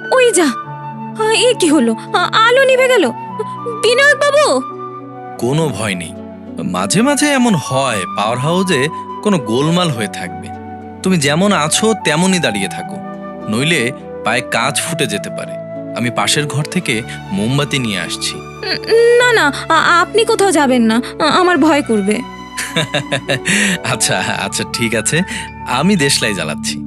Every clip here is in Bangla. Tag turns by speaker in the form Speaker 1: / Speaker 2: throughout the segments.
Speaker 1: ওই যা, এ কি হলো? আলো নিভে গেল। বিনায়ক বাবু!
Speaker 2: কোনো ভয় নেই, মাঝে মাঝে এমন হয় পাওয়ার হাউসে কোনো গোলমাল হয়ে থাকবে। তুমি যেমন আছো তেমনই দাঁড়িয়ে থাকো, নইলে পায়ে কাঁচ ফুটে যেতে পারে। আমি পাশের ঘর থেকে মোমবাতি নিয়ে আসছি।
Speaker 1: না না, আপনি কোথাও যাবেন না, আমার ভয় করবে।
Speaker 2: আচ্ছা আচ্ছা, ঠিক আছে, আমি দেশলাই জ্বালাচ্ছি।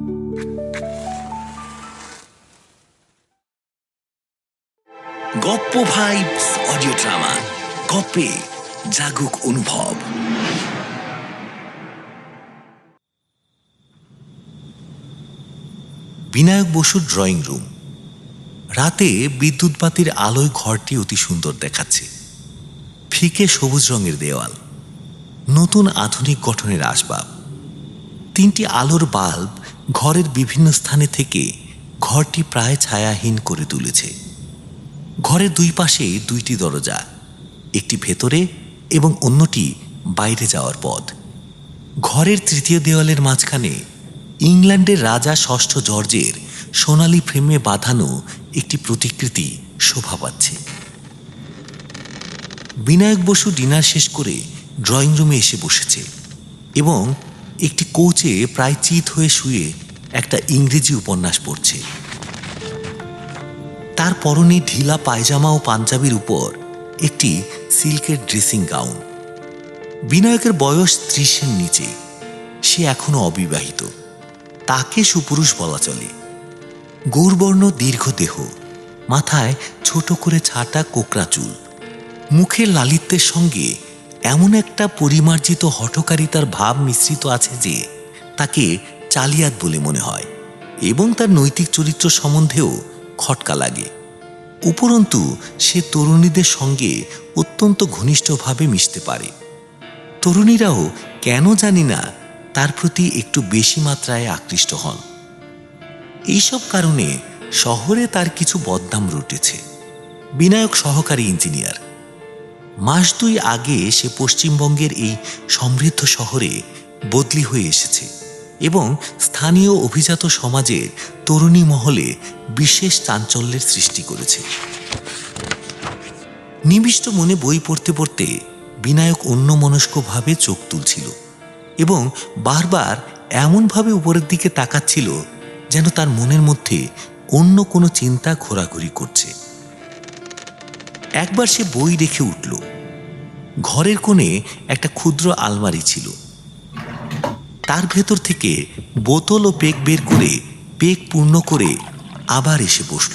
Speaker 3: গপ্প ভাইবস অডিও ড্রামা গপ্পে জাগুক অনুভব। বিনায়ক বসুর ড্রয়িং রুম। রাতে বিদ্যুৎবাতির আলোয় ঘরটি অতি সুন্দর দেখাচ্ছে। ফিকে সবুজ রঙের দেওয়াল, নতুন আধুনিক গঠনের আসবাব, 3টি আলোর বাল্ব ঘরের বিভিন্ন স্থানে থেকে ঘরটি প্রায় ছায়াহীন করে তুলেছে। ঘরের 2 পাশে 2টি দরজা, একটি ভেতরে এবং অন্যটি বাইরে যাওয়ার পথ। ঘরের 3য় দেওয়ালের মাঝখানে ইংল্যান্ডের রাজা ষষ্ঠ জর্জের সোনালী ফ্রেমে বাঁধানো একটি প্রতিকৃতি শোভা পাচ্ছে। বিনায়ক বসু ডিনার শেষ করে ড্রয়িং রুমে এসে বসেছে এবং একটি কোচে প্রায় চিত হয়ে শুয়ে একটা ইংরেজি উপন্যাস পড়ছে। তার পরনে ঢিলা পায়জামা ও পাঞ্জাবির উপর একটি সিল্কের ড্রেসিং গাউন। বিনায়কের বয়স 30-এর নিচে। সে এখনো অবিবাহিত, তাকে সুপুরুষ বলা চলে। গৌরবর্ণ দীর্ঘ দেহ, মাথায় ছোট করে ছাটা কোকড়া চুল, মুখের লালিত্যের সঙ্গে এমন একটা পরিমার্জিত হঠকারিতার ভাব মিশ্রিত আছে যে তাকে চালিয়াত বলে মনে হয় এবং তার নৈতিক চরিত্র সম্বন্ধেও খটকা লাগে। উপরন্তু সে তরুণীদের সঙ্গে অত্যন্ত ঘনিষ্ঠভাবে মিশতে পারে। তরুণীরাও কেন জানি না তার প্রতি একটু বেশি মাত্রায় আকৃষ্ট হন। এইসব কারণে শহরে তার কিছু বদনাম রটেছে। বিনায়ক সহকারী ইঞ্জিনিয়ার। মাস 2 আগে সে পশ্চিমবঙ্গের এই সমৃদ্ধ শহরে বদলি হয়ে এসেছে এবং স্থানীয় অভিজাত সমাজের তরুণী মহলে বিশেষ চাঞ্চল্যের সৃষ্টি করেছে। নিবিষ্ট মনে বই পড়তে পড়তে বিনায়ক অন্যমনস্কভাবে চোখ তুলছিল এবং বারবার এমনভাবে উপরের দিকে তাকাচ্ছিল যেন তার মনের মধ্যে অন্য কোনো চিন্তা ঘোরাঘুরি করছে। একবার সে বই রেখে উঠল। ঘরের কোণে একটা ক্ষুদ্র আলমারি ছিল, তার ভেতর থেকে বোতল ও পেক বের করে পেক পূর্ণ করে আবার এসে বসল।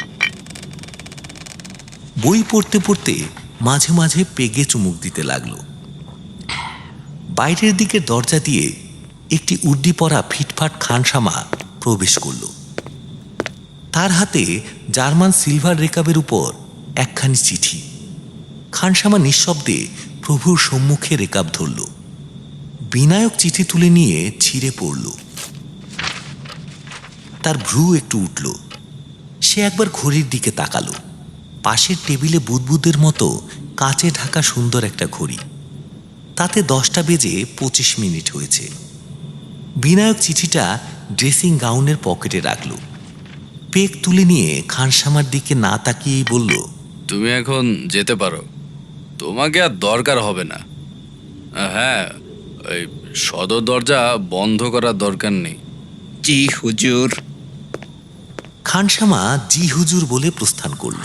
Speaker 3: বই পড়তে পড়তে মাঝে মাঝে পেগে চুমুক দিতে লাগলো। বাইরের দিকে দরজা দিয়ে একটি উর্দি পরা ফিটফাট খানসামা প্রবেশ করল। তার হাতে জার্মান সিলভার রেকাবের উপর একখানি চিঠি। খানসামা নিঃশব্দে প্রভুর সম্মুখে রেকাব ধরল। বিনায়ক চিঠি তুলে নিয়ে ছিঁড়ে পড়ল। তার ভ্রু একটু উঠল। সে একবার ঘড়ির দিকে তাকালো। পাশের টেবিলে বুদবুদের মতো কাঁচে ঢাকা সুন্দর একটা ঘড়ি, তাতে 10টা বেজে 25 মিনিট হয়েছে। বিনায়ক চিঠিটা ড্রেসিং গাউনের পকেটে রাখল। পেক তুলে নিয়ে খানসামার দিকে না তাকিয়েই বলল,
Speaker 2: তুমি এখন যেতে পারো, তোমাকে আর দরকার হবে না। হ্যাঁ, ওই সদর দরজা বন্ধ করার দরকার নেই।
Speaker 4: জি হুজুর।
Speaker 3: খানসামা জি হুজুর বলে প্রস্থান করল।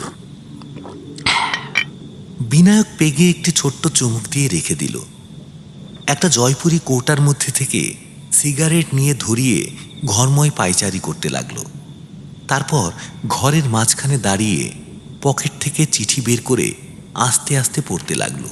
Speaker 3: বিনায়ক পেগে একটি ছোট্ট চুমুক দিয়ে রেখে দিল। একটা জয়পুরি কৌটার মধ্যে থেকে সিগারেট নিয়ে ধরিয়ে ঘরময় পায়চারি করতে লাগলো। তারপর ঘরের মাঝখানে দাঁড়িয়ে পকেট থেকে চিঠি বের করে আস্তে আস্তে পড়তে লাগলো।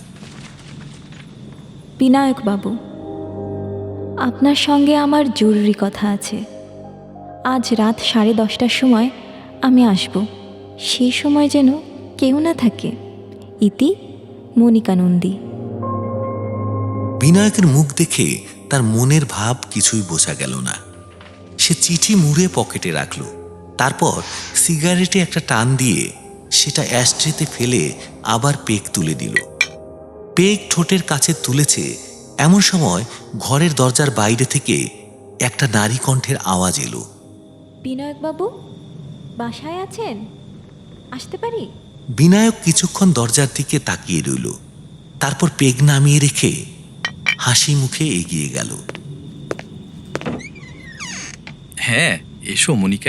Speaker 1: বিনায়ক বাবু, আপনার সঙ্গে আমার জরুরি কথা আছে। আজ রাত 10:30টার সময় আমি আসব। সেই সময় যেন কেউ না থাকে। ইতি মনিকা নন্দী।
Speaker 3: বিনায়কের মুখ দেখে তার মনের ভাব কিছুই বোঝা গেল না। সে চিঠি মুড়ে পকেটে রাখল। তারপর সিগারেটে একটা টান দিয়ে সেটা অ্যাশট্রেতে ফেলে আবার পেক তুলে দিল। পেক ঠোঁটের কাছে তুলেছে এমন সময় ঘরের দরজার বাইরে থেকে একটা নারী কণ্ঠের আওয়াজ এলো।
Speaker 1: বিনায়ক বাবু। বাসায় আছেন? আসতে পারি?
Speaker 3: বিনায়ক কিছুক্ষণ দরজার দিকে তাকিয়ে রইল, তারপর পেগ নামিয়ে রেখে হাসি মুখে এগিয়ে গেল।
Speaker 2: হ্যাঁ, এসো মনিকা।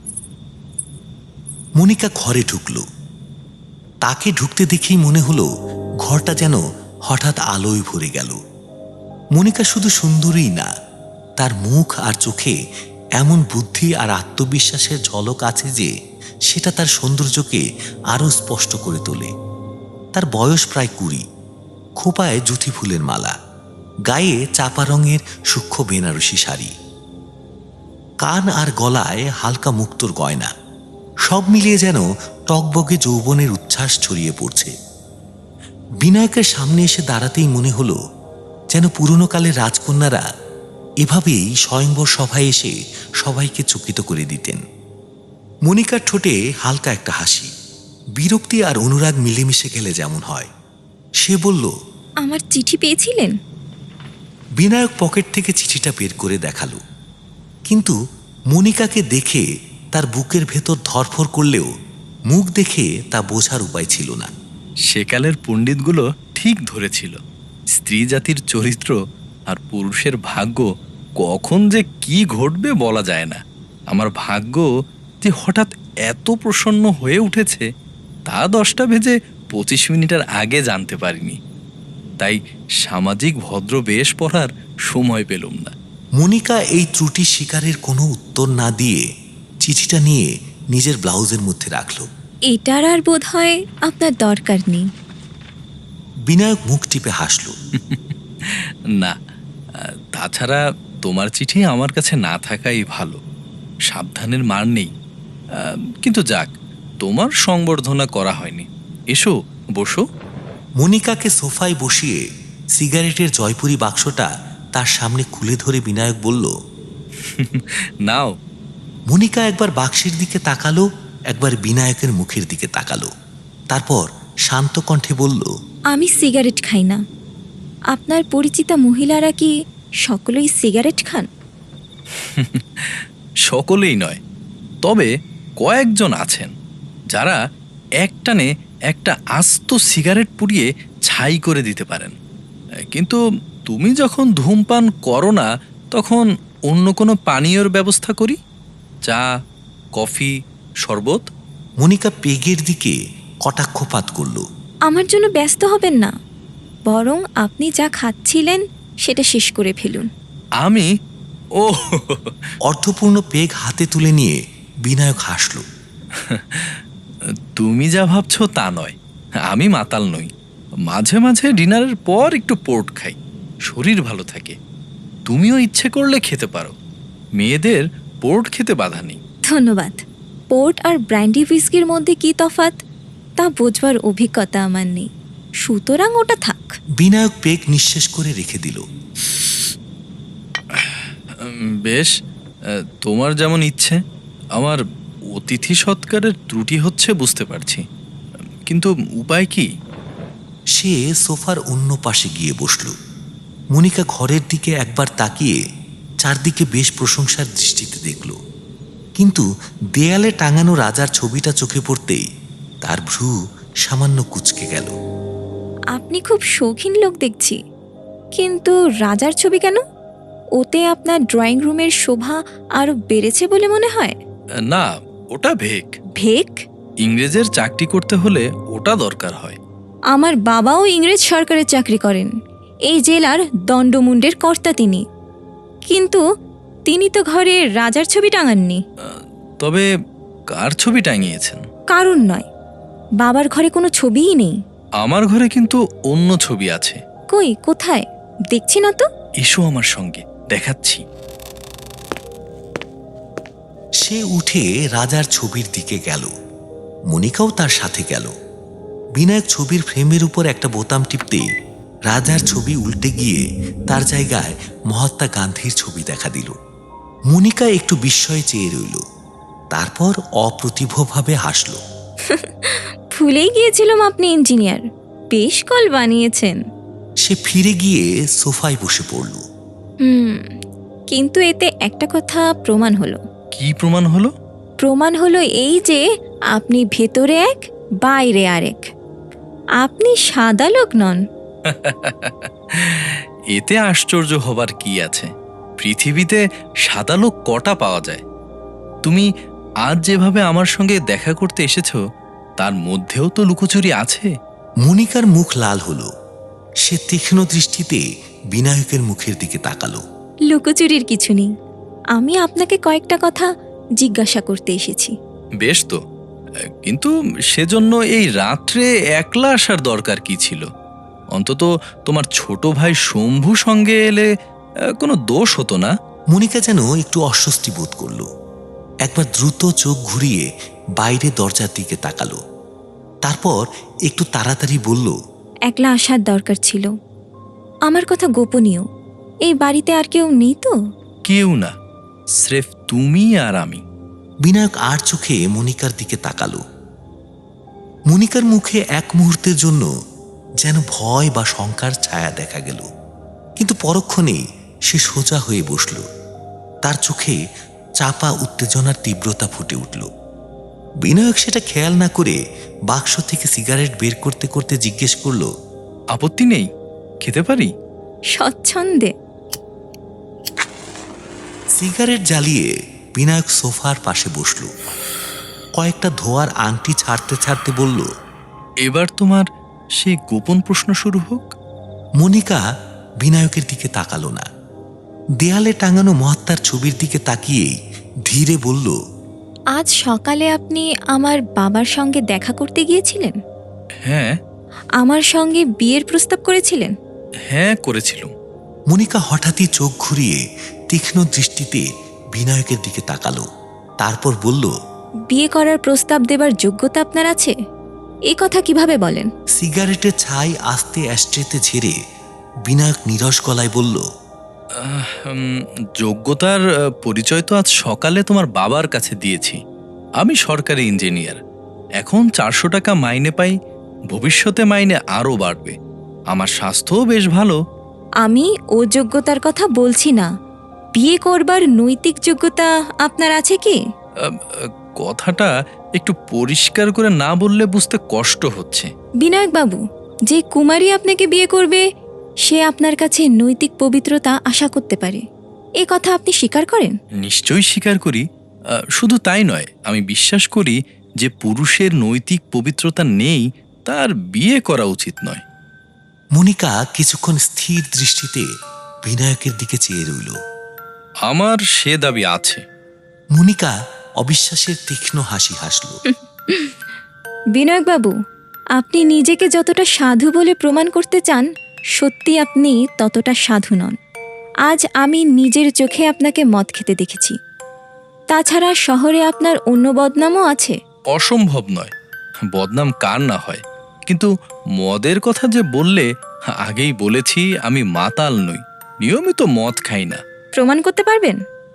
Speaker 3: মনিকা ঘরে ঢুকল। তাকে ঢুকতে দেখেই মনে হলো ঘরটা যেন হঠাৎ আলোয় ভরে গেল। মনিকা শুধু সুন্দরীই না, তার মুখ আর চোখে এমন বুদ্ধি আর আত্মবিশ্বাসের ঝলক আছে যে সেটা তার সৌন্দর্যকে আরো স্পষ্ট করে তোলে। তার বয়স প্রায় 20, খোপায় জুথি ফুলের মালা, গায়ে চাপা রঙের সূক্ষ্ম বেনারসি শাড়ি, কান আর গলায় হালকা মুক্তোর গয়না, সব মিলিয়ে যেন টকবগে যৌবনের উচ্ছ্বাস ছড়িয়ে পড়ছে। বিনায়কের সামনে এসে দাঁড়াতেই মনে হলো যেন পুরনো কালের রাজকন্যারা এভাবেই স্বয়ংবর সভায় এসে সবাইকে চকিত করে দিতেন। মনিকার ঠোঁটে হালকা একটা হাসি, বিরক্তি আর অনুরাগ মিলেমিশে গেলে যেমন হয়। সে বলল,
Speaker 1: আমার চিঠি পেয়েছিলেন?
Speaker 3: বিনায়ক পকেট থেকে চিঠিটা বের করে দেখালো, কিন্তু মনিকাকে দেখে তার বুকের ভেতর ধরফর করলেও মুখ দেখে তা বোঝার উপায় ছিল না।
Speaker 2: সেকালের পণ্ডিতগুলো ঠিক ধরেছিল, স্ত্রী জাতির চরিত্র আর পুরুষের ভাগ্য কখন যে কি ঘটবে বলা যায় না। আমার ভাগ্য যে হঠাৎ এত প্রসন্ন হয়ে উঠেছে তা 10:25 আগে জানতে পারিনি, তাই সামাজিক ভদ্র বেশ পড়ার সময় পেলুম না।
Speaker 3: মনিকা এই ত্রুটি শিকারের কোনো উত্তর না দিয়ে চিঠিটা নিয়ে নিজের ব্লাউজের মধ্যে রাখল।
Speaker 1: এটার আর বোধ হয় আপনার দরকার নেই।
Speaker 3: বিনায়ক মুখ টিপে হাসল।
Speaker 2: না, তাছাড়া তোমার চিঠি আমার কাছে না থাকাই ভালো, সাবধানের মার নেই। কিন্তু যাক, তোমার সংবর্ধনা করা হয়নি। এসো, বসো।
Speaker 3: মনিকাকে সোফায় বসিয়ে সিগারেটের জয়পুরি বাক্সটা তার সামনে খুলে ধরে বিনায়ক বলল,
Speaker 2: নাও।
Speaker 3: মনিকা একবার বাক্সের দিকে তাকালো, একবার বিনায়কের মুখের দিকে তাকালো, তারপর শান্ত কণ্ঠে বলল,
Speaker 1: আমি সিগারেট খাই না। আপনার পরিচিতা মহিলারা কি সকলেই সিগারেট খান?
Speaker 2: সকলেই নয়, তবে কয়েকজন আছেন যারা একটানে একটা আস্ত সিগারেট পুড়িয়ে ছাই করে দিতে পারেন। কিন্তু তুমি যখন ধূমপান করো না, তখন অন্য কোনো পানীয়র ব্যবস্থা করি, চা, কফি, শরবত।
Speaker 3: মনিকা পেগের দিকে কটাক্ষপাত করল।
Speaker 1: আমার জন্য ব্যস্ত হবেন না, বরং আপনি যা খাচ্ছিলেন সেটা শেষ করে ফেলুন।
Speaker 2: আমি ও
Speaker 3: অর্ধপূর্ণ পেগ হাতে তুলে নিয়ে বিনায়ক হাসল।
Speaker 2: তুমি যা ভাবছো তা নয়, আমি মাতাল নই। মাঝে মাঝে ডিনারের পর একটু পোর্ট খাই, শরীর ভালো থাকে। তুমিও ইচ্ছে করলে খেতে পারো, মেয়েদের পোর্ট খেতে বাধা নেই।
Speaker 1: ধন্যবাদ। পোর্ট আর ব্র্যান্ডি হুইস্কির মধ্যে কি তফাৎ তা বোঝবার অভিজ্ঞতা আমার নেই, সুতরাং ওটা থাক।
Speaker 3: বিনায়ক পেগ নিঃশেষ করে রেখে দিল।
Speaker 2: বেশ, তোমার যেমন ইচ্ছে। আমার অতিথি সৎকারের ত্রুটি হচ্ছে বুঝতে পারছি, কিন্তু উপায় কি?
Speaker 3: সে সোফার অন্য পাশে গিয়ে বসল। মনিকা ঘরের দিকে একবার তাকিয়ে চারদিকে বেশ প্রশংসার দৃষ্টিতে দেখল, কিন্তু দেয়ালে টাঙানো রাজার ছবিটা চোখে পড়তেই তার ভ্রু সামান্য কুঁচকে গেল।
Speaker 1: আপনি খুব শৌখিন লোক দেখছি, কিন্তু রাজার ছবি কেন? ওতে আপনার ড্রয়িং রুমের শোভা আরও বেড়েছে বলে মনে হয়।
Speaker 2: না, ওটা ভেক।
Speaker 1: ভেক?
Speaker 2: ইংরেজের চাকরি করতে হলে ওটা দরকার হয়।
Speaker 1: আমার বাবাও ইংরেজ সরকারের চাকরি করেন, এই জেলার দণ্ডমুণ্ডের কর্তা তিনি, কিন্তু তিনি তো ঘরে রাজার ছবি টাঙাননি।
Speaker 2: তবে কার ছবি টাঙিয়েছেন?
Speaker 1: কারণ নয়, বাবার ঘরে কোনো ছবিই নেই।
Speaker 2: আমার ঘরে কিন্তু অন্য ছবি আছে।
Speaker 1: কই, কোথায়? দেখছি না তো।
Speaker 2: এসো আমার সঙ্গে, দেখাচ্ছি।
Speaker 3: সে উঠে রাজার ছবির দিকে গেল। মনিকাও তার সাথে গেল। বিনায়ক ছবির ফ্রেমের উপর একটা বোতাম টিপতে রাজার ছবি উল্টে গিয়ে তার জায়গায় মহাত্মা গান্ধীর ছবি দেখা দিল। মনিকা একটু বিস্ময়ে চেয়ে রইল, তারপর অপ্রতিভভাবে হাসল।
Speaker 1: ভুলেই গিয়েছিলাম আপনি ইঞ্জিনিয়ার, বেশ কল বানিয়েছেন।
Speaker 3: সে ফিরে গিয়ে সোফায় বসে পড়ল।
Speaker 1: কিন্তু এতে একটা কথা প্রমাণ হলো।
Speaker 2: কি প্রমাণ হলো?
Speaker 1: প্রমাণ হলো এই যে আপনি ভেতরে এক বাইরে আরেক। আপনি সাদা লোক নন।
Speaker 2: এতে আশ্চর্য হবার কি আছে? পৃথিবীতে সাদা লোক কটা পাওয়া যায়? তুমি আজ যেভাবে আমার সঙ্গে দেখা করতে এসেছো, তার মধ্যেও তো লুকোচুরি আছে।
Speaker 3: মনিকার মুখ লাল হলো। সে তীক্ষ্ণ দৃষ্টিতে বিনায়কের মুখের দিকে তাকালো।
Speaker 1: লুকোচুরির কিছু নেই। আমি আপনাকে কয়েকটা কথা জিজ্ঞাসা করতে এসেছি।
Speaker 2: বেশ তো, কিন্তু সেজন্য এই রাত্রে একলা আসার দরকার কি ছিল? অন্তত তোমার ছোট ভাই শম্ভু সঙ্গে এলে কোনো দোষ হতো না।
Speaker 3: মনিকা যেন একটু অস্বস্তি বোধ করল। একবার দ্রুত চোখ ঘুরিয়ে বাইরে দরজার দিকে তাকালো। তারপর একটু তাড়াতাড়ি বলল,
Speaker 1: একলা আসার দরকার ছিল। আমার কথা গোপনীয়। এই বাড়িতে আর কেউ নেই তো?
Speaker 2: কেউ না, স্রেফ তুমি আর আমি।
Speaker 3: বিনায়ক আর চোখে মনিকার দিকে তাকালো। মনিকার মুখে এক মুহূর্তের জন্য যেন ভয় বা শঙ্কার ছায়া দেখা গেল, কিন্তু পরক্ষণেই সে সোজা হয়ে বসল। তার চোখে চাপা উত্তেজনার তীব্রতা ফুটে উঠল। বিনায়ক সেটা খেয়াল না করে বাক্স থেকে সিগারেট বের করতে করতে জিজ্ঞেস করল,
Speaker 2: আপত্তি নেই, খেতে পারি?
Speaker 1: স্বচ্ছন্দে।
Speaker 3: সিগারেট জ্বালিয়ে বিনায়ক সোফার পাশে বসল। কয়েকটা ধোয়ার আংটি ছাড়তে ছাড়তে বলল,
Speaker 2: এবার তোমার সেই গোপন প্রশ্ন শুরু হোক।
Speaker 3: মনিকা বিনায়কের দিকে তাকালো না। দেয়ালে টাঙানো মহাত্মার ছবির দিকে তাকিয়েই ধীরে বলল,
Speaker 1: আজ সকালে আপনি আমার বাবার সঙ্গে দেখা করতে গিয়েছিলেন?
Speaker 2: হ্যাঁ।
Speaker 1: আমার সঙ্গে বিয়ের প্রস্তাব করেছিলেন?
Speaker 2: হ্যাঁ, করেছিলাম।
Speaker 3: মনিকা হঠাৎই চোখ ঘুরিয়ে তীক্ষ্ণ দৃষ্টিতে বিনায়কের দিকে তাকালো। তারপর বলল,
Speaker 1: বিয়ে করার প্রস্তাব দেবার যোগ্যতা আপনার আছে? এ কথা কিভাবে বলেন?
Speaker 3: সিগারেটের ছাই আস্তে অ্যাস্ট্রেতে ঝেড়ে বিনায়ক নীরস গলায় বলল,
Speaker 2: যোগ্যতার পরিচয় তো আজ সকালে তোমার বাবার কাছে দিয়েছি। আমি সরকারি ইঞ্জিনিয়ার, এখন 400 টাকা মাইনে পাই। ভবিষ্যতে মাইনে আরও বাড়বে। আমার স্বাস্থ্যও বেশ ভালো।
Speaker 1: আমি ও যোগ্যতার কথা বলছি না। বিয়ে করবার নৈতিক যোগ্যতা আপনার আছে কি?
Speaker 2: কথাটা একটু পরিষ্কার করে না বললে বুঝতে কষ্ট হচ্ছে।
Speaker 1: বিনায়ক বাবু, যে কুমারী আপনাকে বিয়ে করবে সে আপনার কাছে নৈতিক পবিত্রতা আশা করতে পারে। এ কথা আপনি স্বীকার করেন?
Speaker 2: নিশ্চয়ই স্বীকার করি। শুধু তাই নয়, আমি বিশ্বাস করি যে পুরুষের নৈতিক পবিত্রতা নেই তার বিয়ে করা উচিত নয়।
Speaker 3: মনিকা কিছুক্ষণ স্থির দৃষ্টিতে বিনায়কের দিকে চেয়ে রইল।
Speaker 2: আমার সে দাবি আছে।
Speaker 3: মনিকা অবিশ্বাসের তীক্ষ্ণ হাসি হাসল।
Speaker 1: বিনায়ক বাবু, আপনি নিজেকে যতটা সাধু বলে প্রমাণ করতে চান, সত্যি আপনি ততটা সাধু নন। আজ আমি নিজের চোখে আপনাকে মদ খেতে দেখেছি। তাছাড়া শহরে আপনার অন্য বদনামও আছে।
Speaker 2: অসম্ভব নয়, বদনাম কার না হয়। কিন্তু মদের কথা যে বললে, আগেই বলেছি আমি মাতাল নই, নিয়মিত মদ খাই না।
Speaker 1: প্রমাণ করতে পারবেন?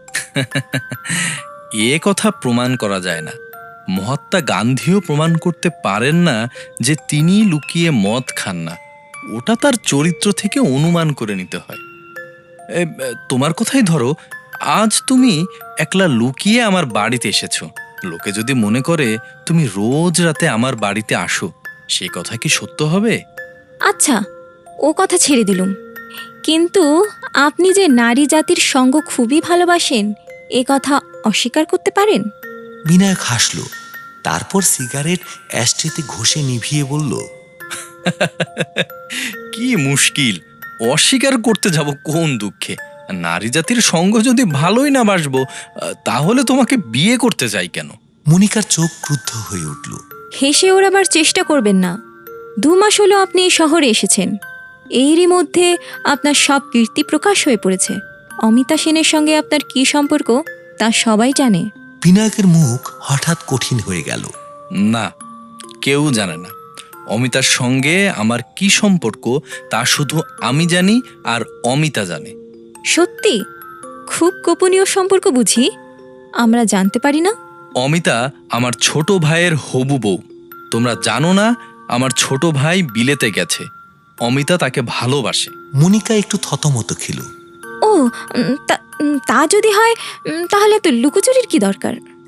Speaker 2: এ কথা প্রমাণ করা যায় না। মহাত্মা গান্ধীও প্রমাণ করতে পারেন না যে তিনি লুকিয়ে মদ খান না। ওটা তার চরিত্র থেকে অনুমান করে নিতে হয়। তোমার কথাই ধরো, আজ তুমি একলা লুকিয়ে আমার বাড়িতে এসেছো। লোকে যদি মনে করে তুমি রোজ রাতে আমার বাড়িতে আসো, সে কথা কি সত্য হবে?
Speaker 1: আচ্ছা, ও কথা ছেড়ে দিলুম। কিন্তু আপনি যে নারী জাতির সঙ্গ খুবই ভালোবাসেন, এ কথা অস্বীকার করতে পারেন?
Speaker 3: বিনায়ক হাসল। তারপর সিগারেট অ্যাস্ট্রেতে ঘষে নিভিয়ে বলল,
Speaker 2: কি মুশকিল, অস্বীকার করতে যাব কোন দুঃখে? নারী জাতির সঙ্গ যদি ভালোই না বাসবো, তাহলে তোমাকে বিয়ে করতে চাই কেন?
Speaker 3: মনিকার চোখ ক্রুদ্ধ হয়ে উঠল।
Speaker 1: হেসে ওড়াবার চেষ্টা করবেন না। 2 মাস হলো আপনি এই শহরে এসেছেন। এরই মধ্যে আপনার সব কীর্তি প্রকাশ হয়ে পড়েছে। অমিতা সেনের সঙ্গে আপনার কী সম্পর্ক তা সবাই জানে।
Speaker 3: বিনায়কের মুখ হঠাৎ কঠিন হয়ে গেল।
Speaker 2: না, কেউ জানে না অমিতার সঙ্গে আমার কি সম্পর্ক। তা শুধু আমি জানি আর অমিতা জানে।
Speaker 1: সত্যি? খুব গোপনীয় সম্পর্ক বুঝি? আমরা জানতে পারি না?
Speaker 2: অমিতা আমার ছোট ভাইয়ের হবু বউ। তোমরা জানো না আমার ছোট ভাই বিলেতে গেছে। অমিতা তাকে ভালোবাসে।
Speaker 3: মনিকা একটু থতমত খেল।
Speaker 1: ও, তা যদি হয় তাহলে তো লুকোচুরির কি দরকার?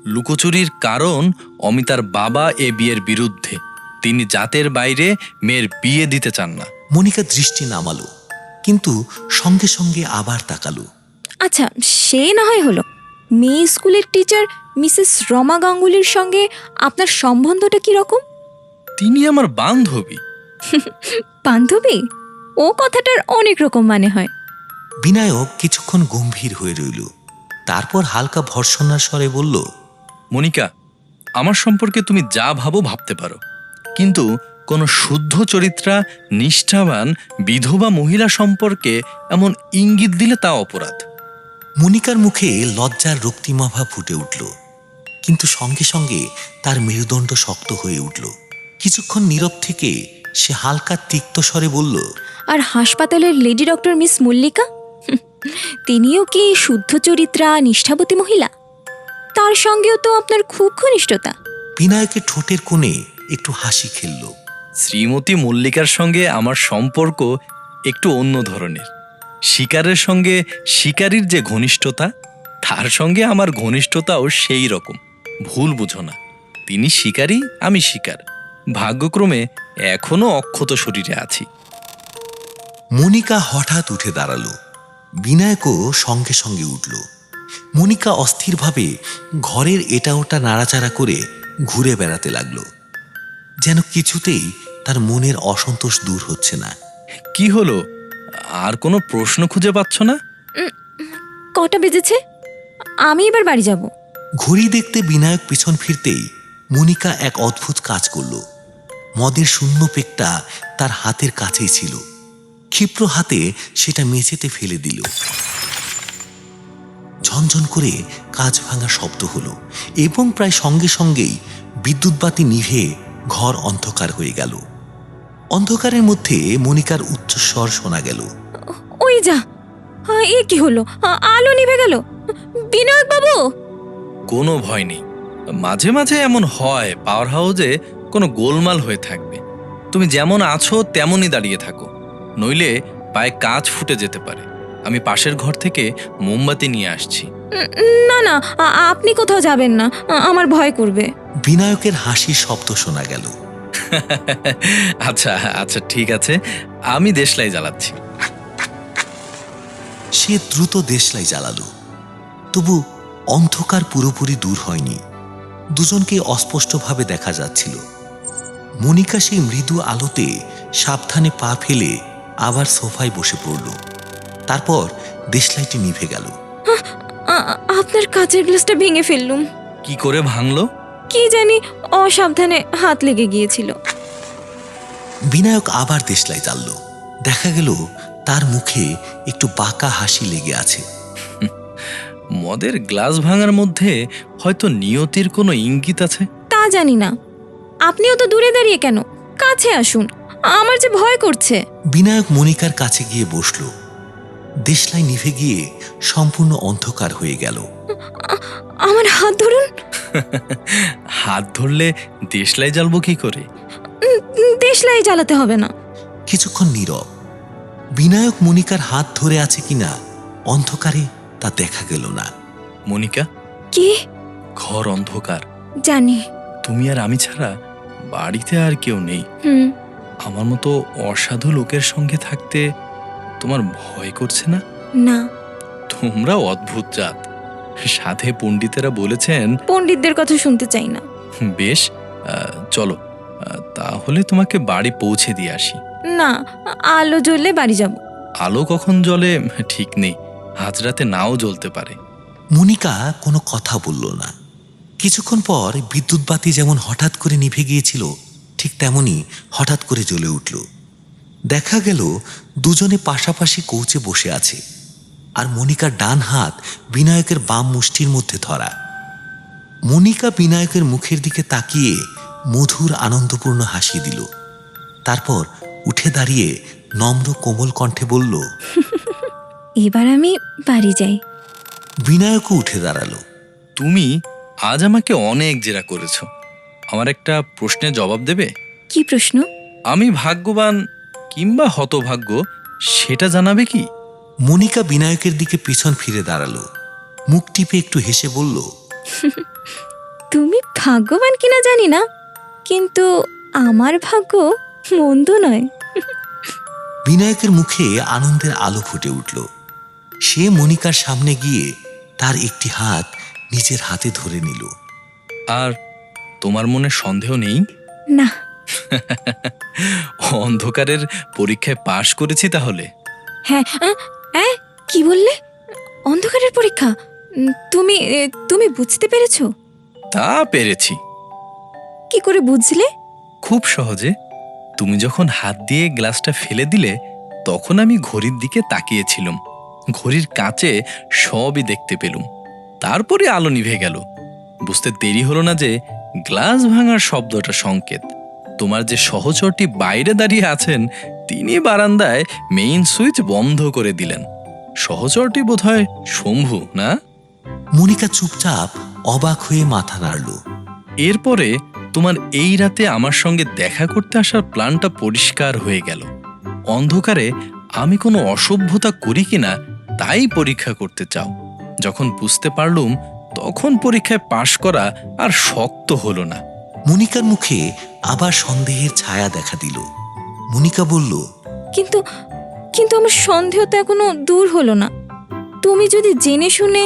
Speaker 2: লুকোচুরির কারণ অমিতার বাবা এ বিয়ের বিরুদ্ধে। তিনি জাতের বাইরে মেয়ের বিয়ে দিতে চান না।
Speaker 3: মনিকা দৃষ্টি নামালো, কিন্তু সঙ্গে সঙ্গে আবার তাকালো।
Speaker 1: আচ্ছা, সে না হয় হলো। মেয়ে স্কুলের টিচার মিসেস রমা গাঙ্গুলির সঙ্গে আপনার সম্বন্ধটা কি রকম?
Speaker 2: তিনি আমার বান্ধবী।
Speaker 1: বান্ধবী? ও কথাটার অনেক রকম মানে হয়।
Speaker 3: বিনায়ক কিছুক্ষণ গম্ভীর হয়ে রইল, তারপর হালকা ভর্ৎসনার স্বরে বলল,
Speaker 2: মনিকা, আমার সম্পর্কে তুমি যা ভাবো ভাবতে পারো, কিন্তু কোনো শুদ্ধ চরিত্রা নিষ্ঠাবান বিধবা মহিলা সম্পর্কে এমন ইঙ্গিত দিলে তা অপরাধ।
Speaker 3: মনিকার মুখে লজ্জার রক্তিমাভা ফুটে উঠল, কিন্তু সঙ্গে সঙ্গে তার মেরুদণ্ড শক্ত হয়ে উঠল। কিছুক্ষণ নীরব থেকে সে হালকা তিক্ত স্বরে বলল,
Speaker 1: আর হাসপাতালের লেডি ডক্টর মিস মল্লিকা, তিনিও কি শুদ্ধ চরিত্রা নিষ্ঠাবতী মহিলা? তার সঙ্গেও তো আপনার খুব ঘনিষ্ঠতা।
Speaker 3: বিনায়কের ঠোঁটের কোণে একটু হাসি খেলল।
Speaker 2: শ্রীমতী মল্লিকার সঙ্গে আমার সম্পর্ক একটু অন্য ধরনের। শিকারের সঙ্গে শিকারীর যে ঘনিষ্ঠতা, তার সঙ্গে আমার ঘনিষ্ঠতাও সেই রকম। ভুল বুঝো না, তিনি শিকারী, আমি শিকার। ভাগ্যক্রমে এখনো অক্ষত শরীরে আছি।
Speaker 3: মনিকা হঠাৎ উঠে দাঁড়ালো, বিনায়কও সঙ্গে সঙ্গে উঠল। মনিকা অস্থিরভাবে ঘরের এটা ওটা নাড়াচাড়া করে ঘুরে বেড়াতে লাগলো, যেন কিছুতেই তার মনের অসন্তোষ দূর হচ্ছে না।
Speaker 2: কি হলো, আর কোনো প্রশ্ন খুঁজে পাচ্ছ না?
Speaker 1: কটা বেজেছে? আমি এবার বাড়ি যাব।
Speaker 3: ঘড়ি দেখতে বিনায়ক পিছন ফিরতেই মনিকা এক অদ্ভুত কাজ করল। মদের শূন্য পেকটা তার হাতের কাছেই ছিল। ক্ষিপ্র হাতে সেটা মেঝেতে ফেলে দিল। ঝনঝন করে কাঁচ ভাঙা শব্দ হলো এবং প্রায় সঙ্গে সঙ্গেই বিদ্যুৎ বাতি নিভে ঘর অন্ধকার হয়ে গেল। অন্ধকারের মধ্যে মনিকার উচ্চস্বর শোনা গেল,
Speaker 1: ওই যা, এ কি হলো? আলো নিভে গেল। বিনায়ক বাবু!
Speaker 2: কোনো ভয় নেই। মাঝে মাঝে এমন হয় পাওয়ার হাউসে কোনো গোলমাল হয়ে থাকবে। তুমি যেমন আছো তেমনই দাঁড়িয়ে থাকো, নইলে পায়ে কাঁচ ফুটে যেতে পারে। আমি পাশের ঘর থেকে মোমবাতি নিয়ে আসছি।
Speaker 1: না না, আপনি কোথাও যাবেন না, আমার ভয় করবে।
Speaker 3: বিনায়কের হাসির শব্দ শোনা গেল।
Speaker 2: আচ্ছা আচ্ছা, ঠিক আছে, আমি দেশলাই জ্বালাচ্ছি।
Speaker 3: সে দ্রুত দেশলাই জ্বালালো, তবু অন্ধকার পুরোপুরি দূর হয়নি। দুজনকে অস্পষ্টভাবে দেখা যাচ্ছিল। মনিকা সেই মৃদু আলোতে সাবধানে পা ফেলে আবার সোফায় বসে পড়ল। তারপর দেশলাইটি নিভে গেল।
Speaker 1: আপনার কাচের গ্লাসটা ভেঙে ফেললুম।
Speaker 2: কি করে ভাঙলো?
Speaker 1: কি জানি, অসাবধানে হাত লেগে গিয়েছিল।
Speaker 3: বিনায়ক আবার দেশলাই জ্বালল। দেখা গেল তার মুখে একটু বাঁকা হাসি লেগে আছে।
Speaker 2: মদের গ্লাস ভাঙার মধ্যে হয়তো নিয়তির কোনো ইঙ্গিত আছে।
Speaker 1: তা জানি না। আপনিও তো দূরে দাঁড়িয়ে কেন? কাছে আসুন, আমার যে ভয় করছে।
Speaker 3: বিনায়ক মনিকার কাছে গিয়ে বসল। দেশলাই নিভে গিয়ে সম্পূর্ণ অন্ধকার হয়ে গেল।
Speaker 1: আমার হাত ধরুন।
Speaker 2: হাত ধরলে দেশলাই জ্বালবো কি করে?
Speaker 1: দেশলাই জ্বালাতে হবে না।
Speaker 3: কিছুক্ষণ নীরব। বিনায়ক মনিকার হাত ধরে আছে কিনা অন্ধকারে তা দেখা গেল না।
Speaker 2: মনিকা,
Speaker 1: কি?
Speaker 2: ঘর অন্ধকার।
Speaker 1: জানি।
Speaker 2: তুমি আর আমি ছাড়া বাড়িতে আর কেউ নেই। আমার মতো অসাধু লোকের সঙ্গে থাকতে তোমার ভয় করছে না?
Speaker 1: না।
Speaker 2: তোমরা অদ্ভুত জাত। সাধে পণ্ডিতেরা বলেছেন।
Speaker 1: পণ্ডিতদের কথা শুনতে চাই না।
Speaker 2: বেশ, চলো, তাহলে তোমাকে বাড়ি পৌঁছে দিয়ে আসি।
Speaker 1: না, আলো জ্বললে বাড়ি যাব।
Speaker 2: আলো কখন জ্বলে ঠিক নেই, হাজরাতে নাও জ্বলতে পারে।
Speaker 3: মনিকা কোনো কথা বলল না। কিছুক্ষণ পর বিদ্যুৎ বাতি যেমন হঠাৎ করে নিভে গিয়েছিল, ঠিক তেমনি হঠাৎ করে জ্বলে উঠল। দেখা গেল দুজনে পাশাপাশি কৌচে বসে আছে, আর মনিকার ডান হাত বিনায়কের বাম মুষ্টির মধ্যে ধরা। মনিকা বিনায়কের মুখের দিকে তাকিয়ে মধুর আনন্দপূর্ণ হাসি দিল। তারপর উঠে দাঁড়িয়ে নম্র কোমল কণ্ঠে বলল,
Speaker 1: এবার আমি বাড়ি যাই।
Speaker 3: বিনায়কও উঠে দাঁড়ালো।
Speaker 2: তুমি আজ আমাকে অনেক জেরা করেছ। আমার একটা প্রশ্নের জবাব দেবে?
Speaker 1: কি প্রশ্ন?
Speaker 2: আমি ভাগ্যবান কিংবা হতভাগ্য সেটা জানাবে কি?
Speaker 3: মনিকা বিনায়কের দিকে পিছন ফিরে দাঁড়ালো। মুখ টিপে একটু হেসে বলল,
Speaker 1: তুমি ভাগ্যবান কিনা জানি না, কিন্তু আমার ভাগ্য মন্দ নয়।
Speaker 3: বিনায়কের মুখে আনন্দের আলো ফুটে উঠল। সে মনিকার সামনে গিয়ে তার একটি হাত নিজের হাতে ধরে নিল।
Speaker 2: আর তোমার মনে সন্দেহ নেই?
Speaker 1: না।
Speaker 2: অন্ধকারের পরীক্ষায় পাশ করেছি তাহলে?
Speaker 1: হ্যাঁ। কি বললে? অন্ধকারের পরীক্ষা? তুমি তুমি বুঝতে পেরেছো?
Speaker 2: তা পেরেছি।
Speaker 1: কি করে বুঝলে?
Speaker 2: খুব সহজে। তুমি যখন হাত দিয়ে গ্লাসটা ফেলে দিলে তখন আমি ঘড়ির দিকে তাকিয়েছিলাম। ঘড়ির কাঁচে সবই দেখতে পেলুম। তারপরে আলো নিভে গেল। বুঝতে দেরি হলো না যে গ্লাস ভাঙার শব্দটা সংকেত। তোমার যে সহচরটি বাইরে দাঁড়িয়ে আছেন তিনি বারান্দায় মেইন সুইচ বন্ধ করে দিলেন। সহচরটি বোধহয় শম্ভু, না?
Speaker 3: মনিকা চুপচাপ অবাক হয়ে মাথা নাড়ল।
Speaker 2: এরপরে তোমার এই রাতে আমার সঙ্গে দেখা করতে আসার প্ল্যানটা পরিষ্কার হয়ে গেল। অন্ধকারে আমি কোনো অসভ্যতা করি কিনা তাই পরীক্ষা করতে চাও। যখন বুঝতে পারলুম তখন পরীক্ষায় পাশ করা আর শক্ত হলো না।
Speaker 3: মনিকার মুখে আবার সন্দেহের ছায়া দেখা দিল। মনিকা বলল,
Speaker 1: কিন্তু কিন্তু আমার সন্দেহ তো এখনো দূর হলো না। তুমি যদি জেনে শুনে।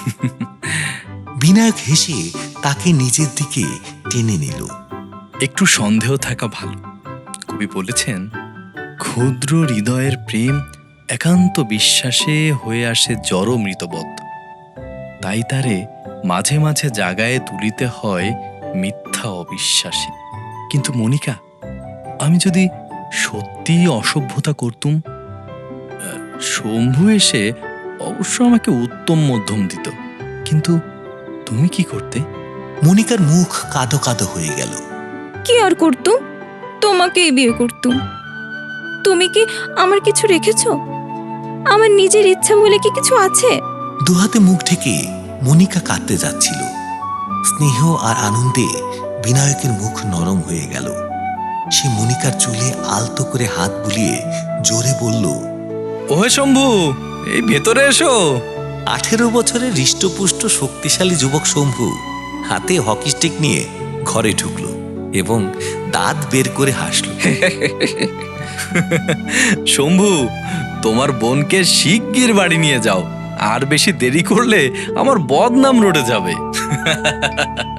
Speaker 3: বিনায়ক হেসে তাকে নিজের দিকে টেনে নিল।
Speaker 2: একটু সন্দেহ থাকা ভালো। কবি বলেছেন, ক্ষুদ্র হৃদয়ের প্রেম একান্ত বিশ্বাসে হয়ে আসে জড় মৃতবৎ। তাই তারে মাঝে মাঝে জাগায় তুলিতে হয় মিথ্যা অবিশ্বাসী। কিন্তু মনিকা, আমি যদি সত্যি অসভ্যতা করতুম, শম্ভু এসে অবশ্য আমাকে উত্তম মধ্যম দিত, কিন্তু তুমি কি করতে?
Speaker 3: মনিকার মুখ কাদো কাদো হয়ে গেল।
Speaker 1: কি আর করতুম? তোমাকেই বিয়ে করতুম। তুমি কি আমার কিছু রেখেছো? আমার নিজের ইচ্ছা বলে কি কিছু আছে?
Speaker 3: দুহাতে মুখ ঢেকে মনিকা কাঁদতে যাচ্ছিল। স্নেহ আর আনন্দে বিনায়কের মুখ নরম হয়ে গেল। সে মনিকার চুলে আলতো করে হাত বুলিয়ে জোরে বলল,
Speaker 2: ওহে শম্ভু, এই ভেতরে এসো।
Speaker 3: 18 বছরের হৃষ্টপুষ্ট শক্তিশালী যুবক শম্ভু হাতে হকি স্টিক নিয়ে ঘরে ঢুকল এবং দাঁত বের করে হাসল।
Speaker 2: শম্ভু, তোমার বোনকে শিগগির বাড়ি নিয়ে যাও। আর বেশি দেরি করলে আমার বদনাম রটে যাবে।